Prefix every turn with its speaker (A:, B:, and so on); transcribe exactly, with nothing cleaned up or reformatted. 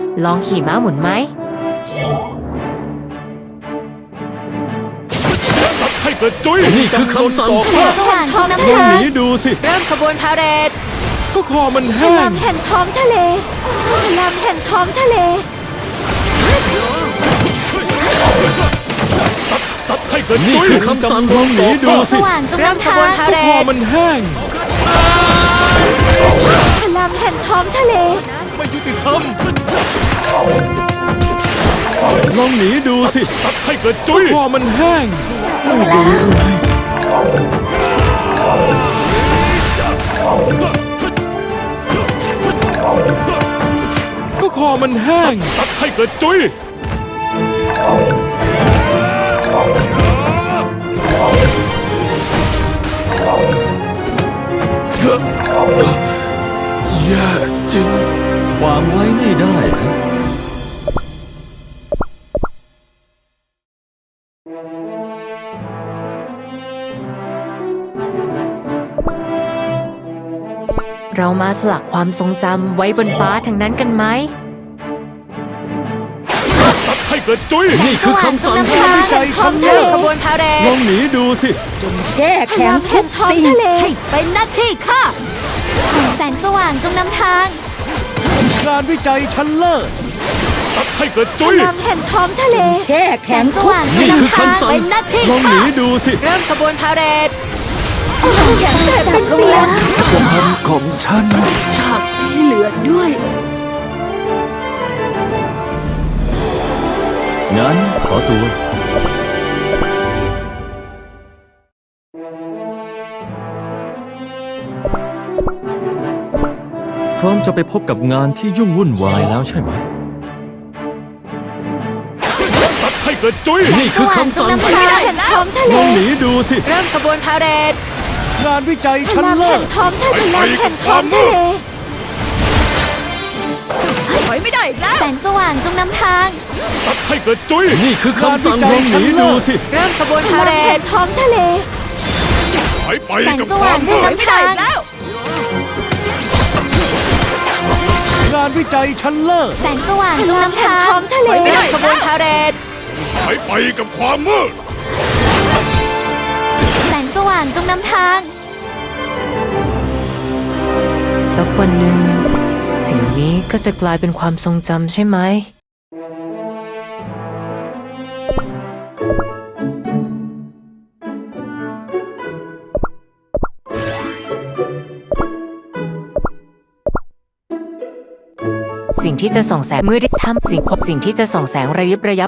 A: ลองขี่ม้าหมุนไหม
B: ให้กระจุยนี่คือคำสั่ง
C: แสงสว่างจงนำ
B: ลอง
C: ทาง
B: หนีดูสิ
A: เริ่มขบวนพาเหรด
B: ก็คอมัน
C: พ
B: แห้
C: ลั
B: ง
C: งแห่งท้องทะเลพลังแห่งท้องทะเล
B: ซัดให้กระจุยนี่คือคำสั่งลองหนีดู
C: ส
B: สิ
C: ว่างจง
A: เริ่ม
C: นำ
A: ข
C: ทา
A: บวน
C: ง
A: พา
B: ก็
A: เหร
B: คอ
A: ด
B: มันแห้ง
C: พลังแห่งท้องทะเล
B: ไม่ยุติธรรมลองหนีดูสิซัดให้กระจุยก็คอมันแห้งก็คอมันแห้งซัดให้กระจุยแย่จริงวางไว้ไม่ได้ครับ
A: เรามาสลักความทรงจำไว้บนฟ้าทั้งนั้นกันไหม
B: ซัดให้กระจุยนี่คือคำสั่ง
C: สว่างจงนำทาง
B: ใจฉัน
A: เริ่มขบวนพาเหร
B: ลอ
A: ด
B: งหนีดูสิ
C: แช่แข็งทุกสิ่งให้เป็นหน้าที่ข้าแสงสว่างจงนำทาง
B: งานวิจัยชั้นเลิศซัดให้กระ
C: พ
B: จุย
C: ลังแห่งท้องทะเลแช่แข็งสว่างจง
B: นี่คือน
C: ำทาง
B: คำสั่ง
C: เป็นหน้าที่
B: ลองห
C: ข้า
B: นีดูสิ
A: เริ่มขบวนพาเหรด
C: แข็งแต่เป็นเสียง
B: ความของฉัน
C: ฉากที่เหลือด้วย
B: งั้นขอตัวพร้อมจะไปพบกับงานที่ยุ่งวุ่นวายแล้วใช่ไหมซัดให้กระจุยนี่คือคำสั่ง
C: พลังแห่งท้องทะเล
B: ลองหนีดูสิ
A: เริ่มขบวนพาเหรด
B: งานวิจัย
C: พ
B: ชั้น
C: ลัง
B: เลิ
C: แห่
B: ศ
C: งท้องทะเลพลังแห่งท้องทะเลถอยไม่ได้แล้วแสงสว่างจงนำทาง
B: ซัดให้กระจุยนี่คือคำสั่งลองหนีดูสิ
A: เริ่มขบวน
C: พ
A: พา
C: ลั
A: เหรง
C: แห่
A: ด
C: งท้องทะเล
B: หายไป
C: แสง
B: กับ
C: ส
B: ค
C: ว่าว
B: าง ม
C: จ
B: มื
C: ง
B: ด
C: นำทาง
B: งานวิจัยชั้นเลิศ
C: แสงสว่างจงนำทางท้องทะเล
A: เริ่มขบวนพาเหรด
B: หายไปกับความมืด
C: แสงสว่างจงนำทาง
A: สักวันหนึ่งสิ่งนี้ก็จะกลายเป็นความทรงจำใช่ไหมสิ่งที่จะส่องแสงมืดที่ทำสิ่งสิ่งที่จะส่องแสงระยิบระยับ